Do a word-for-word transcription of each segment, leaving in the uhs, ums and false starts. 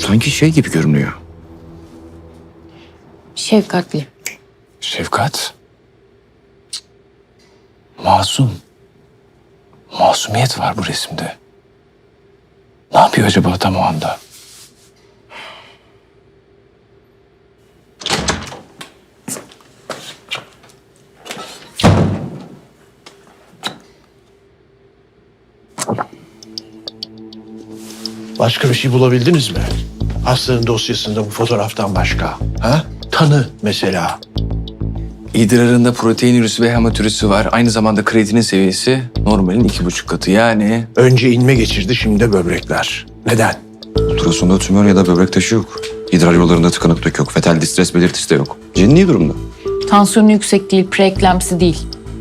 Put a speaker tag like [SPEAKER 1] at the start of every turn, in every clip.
[SPEAKER 1] Sanki şey gibi görünüyor.
[SPEAKER 2] Şefkatli.
[SPEAKER 1] Şefkat. Masum. Masumiyet var bu resimde. Ne yapıyor acaba tam o anda?
[SPEAKER 3] Başka bir şey bulabildiniz mi? Hastanın dosyasında bu fotoğraftan başka. Ha? Tanı mesela.
[SPEAKER 1] İdrarında protein ürüsü ve hematürüsü var. Aynı zamanda kreatinin seviyesi normalin iki buçuk katı. Yani
[SPEAKER 3] Önce inme geçirdi, şimdi de böbrekler. Neden?
[SPEAKER 4] Ultrasonda tümör ya da böbrek taşı yok. İdrar yollarında tıkanıklık yok. Fetal distres belirtisi de yok. Cenni iyi durumda.
[SPEAKER 2] Tansiyonu yüksek değil, preeklemsi değil.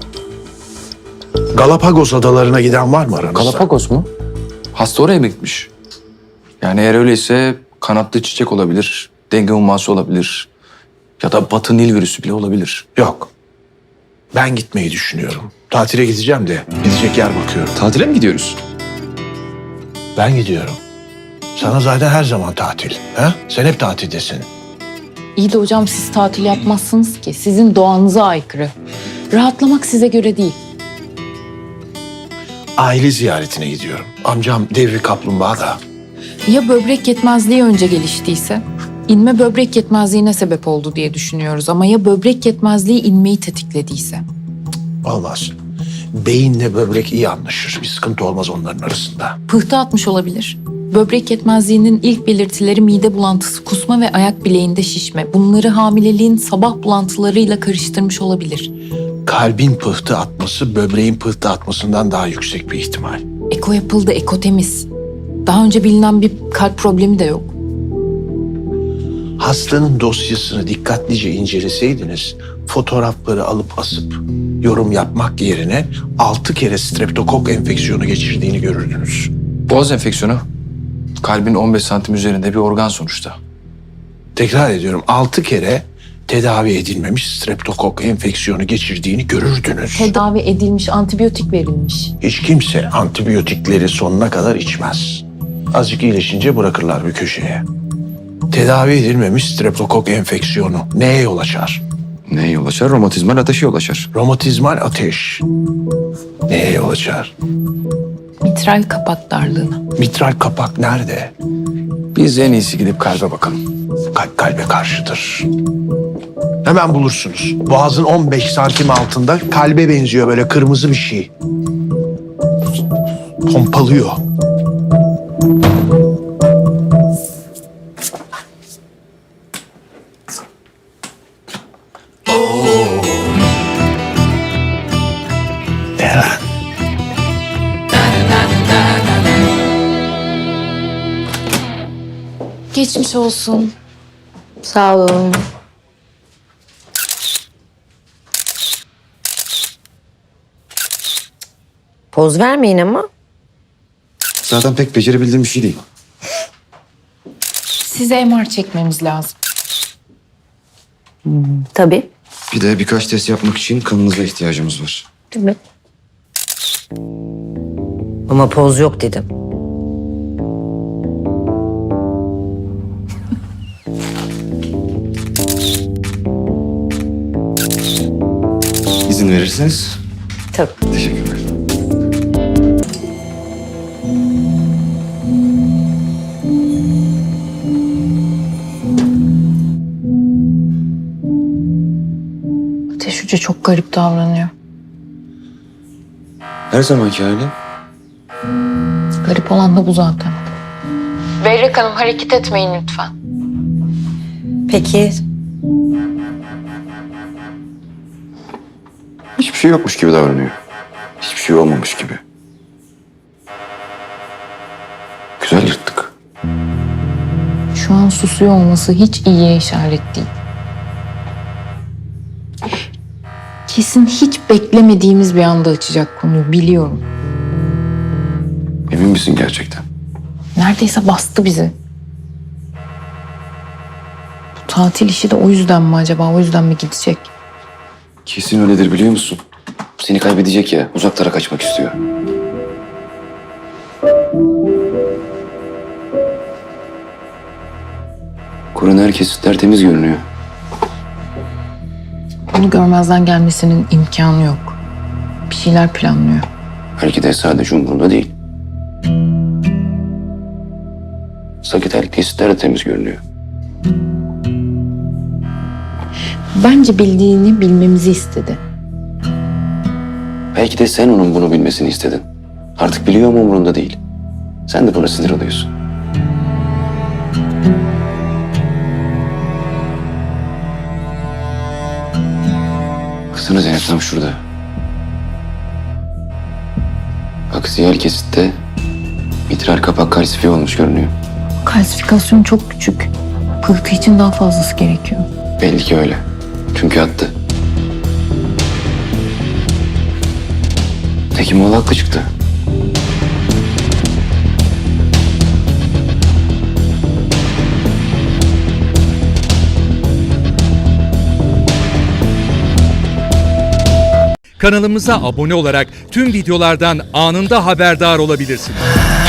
[SPEAKER 3] Galapagos adalarına giden var mı aranızda?
[SPEAKER 1] Galapagos mu? Hasta oraya mı gitmiş? Yani eğer öyleyse kanatlı çiçek olabilir, denge humması olabilir ya da Batı Nil virüsü bile olabilir.
[SPEAKER 3] Yok. Ben gitmeyi düşünüyorum. Tatile gideceğim de gidecek yer bakıyorum.
[SPEAKER 4] Tatile mi gidiyoruz?
[SPEAKER 3] Ben gidiyorum. Sana zaten her zaman tatil. Ha? Sen hep tatildesin.
[SPEAKER 2] İyi de hocam siz tatil yapmazsınız ki. Sizin doğanıza aykırı. Rahatlamak size göre değil.
[SPEAKER 3] Aile ziyaretine gidiyorum. Amcam devri kaplumbağa da.
[SPEAKER 2] Ya böbrek yetmezliği önce geliştiyse? İnme böbrek yetmezliğine sebep oldu diye düşünüyoruz. Ama ya böbrek yetmezliği inmeyi tetiklediyse?
[SPEAKER 3] Olmaz. Beyinle böbrek iyi anlaşır. Bir sıkıntı olmaz onların arasında.
[SPEAKER 2] Pıhtı atmış olabilir. Böbrek yetmezliğinin ilk belirtileri mide bulantısı, kusma ve ayak bileğinde şişme. Bunları hamileliğin sabah bulantılarıyla karıştırmış olabilir.
[SPEAKER 3] Kalbin pıhtı atması böbreğin pıhtı atmasından daha yüksek bir ihtimal.
[SPEAKER 2] Eko yapıldı, eko temiz. Daha önce bilinen bir kalp problemi de yok.
[SPEAKER 3] Hastanın dosyasını dikkatlice inceleseydiniz fotoğrafları alıp asıp yorum yapmak yerine altı kere streptokok enfeksiyonu geçirdiğini görürdünüz.
[SPEAKER 1] Boğaz enfeksiyonu kalbin on beş santim üzerinde bir organ sonuçta.
[SPEAKER 3] Tekrar ediyorum, altı kere tedavi edilmemiş streptokok enfeksiyonu geçirdiğini görürdünüz.
[SPEAKER 2] Tedavi edilmiş, antibiyotik verilmiş.
[SPEAKER 3] Hiç kimse antibiyotikleri sonuna kadar içmez. Azıcık iyileşince bırakırlar bir köşeye. Tedavi edilmemiş streptokok enfeksiyonu neye yol açar?
[SPEAKER 4] Neye yol açar? Romatizmal ateşe yol açar.
[SPEAKER 3] Romatizmal ateş neye yol açar?
[SPEAKER 2] Mitral kapak darlığına.
[SPEAKER 3] Mitral kapak nerede?
[SPEAKER 1] Biz en iyisi gidip kalbe bakalım.
[SPEAKER 3] Kalp kalbe karşıdır. Hemen bulursunuz. Boğazın on beş santim altında kalbe benziyor, böyle kırmızı bir şey. Pompalıyor. Eren.
[SPEAKER 2] Geçmiş olsun.
[SPEAKER 5] Sağ olun. Poz vermeyin ama.
[SPEAKER 4] Zaten pek becerebildiğim bir şey değil.
[SPEAKER 2] Size M R çekmemiz lazım.
[SPEAKER 5] Tabii.
[SPEAKER 4] Bir de birkaç test yapmak için kanınıza ihtiyacımız var.
[SPEAKER 5] Tabii. Ama poz yok dedim.
[SPEAKER 4] İzin verirseniz.
[SPEAKER 5] Tabii.
[SPEAKER 4] Teşekkürler.
[SPEAKER 2] Ateş Hoca çok garip davranıyor.
[SPEAKER 4] Her zamanki hali.
[SPEAKER 2] Garip olan da bu zaten. Berrak Hanım hareket etmeyin lütfen.
[SPEAKER 5] Peki.
[SPEAKER 4] Hiçbir şey yokmuş gibi davranıyor. Hiçbir şey olmamış gibi. Güzel yırttık.
[SPEAKER 2] Şu an susuyor olması hiç iyiye işaret değil. Kesin hiç beklemediğimiz bir anda açacak konuyu, biliyorum.
[SPEAKER 4] Emin misin gerçekten?
[SPEAKER 2] Neredeyse bastı bizi. Bu tatil işi de o yüzden mi acaba? O yüzden mi gidecek?
[SPEAKER 4] Kesin öyledir biliyor musun? Seni kaybedecek ya. Uzaklara kaçmak istiyor. Koroner kesitler temiz görünüyor.
[SPEAKER 2] Bunu görmezden gelmesinin imkanı yok. Bir şeyler planlıyor.
[SPEAKER 4] Belki de sadece umurunda değil. Sakitel kesitler de temiz görünüyor.
[SPEAKER 2] Bence bildiğini bilmemizi istedi.
[SPEAKER 4] Belki de sen onun bunu bilmesini istedin. Artık biliyor ama umurunda değil. Sen de buna sinir oluyorsun. Baksana Zeynep tam şurada. Aksiyel kesitte mitral kapak kalsifiye olmuş görünüyor.
[SPEAKER 2] Kalsifikasyon çok küçük. Pıhtı için daha fazlası gerekiyor.
[SPEAKER 4] Belli ki öyle. Çünkü attı. Hekimoğlu haklı çıktı.
[SPEAKER 6] Kanalımıza abone olarak tüm videolardan anında haberdar olabilirsiniz.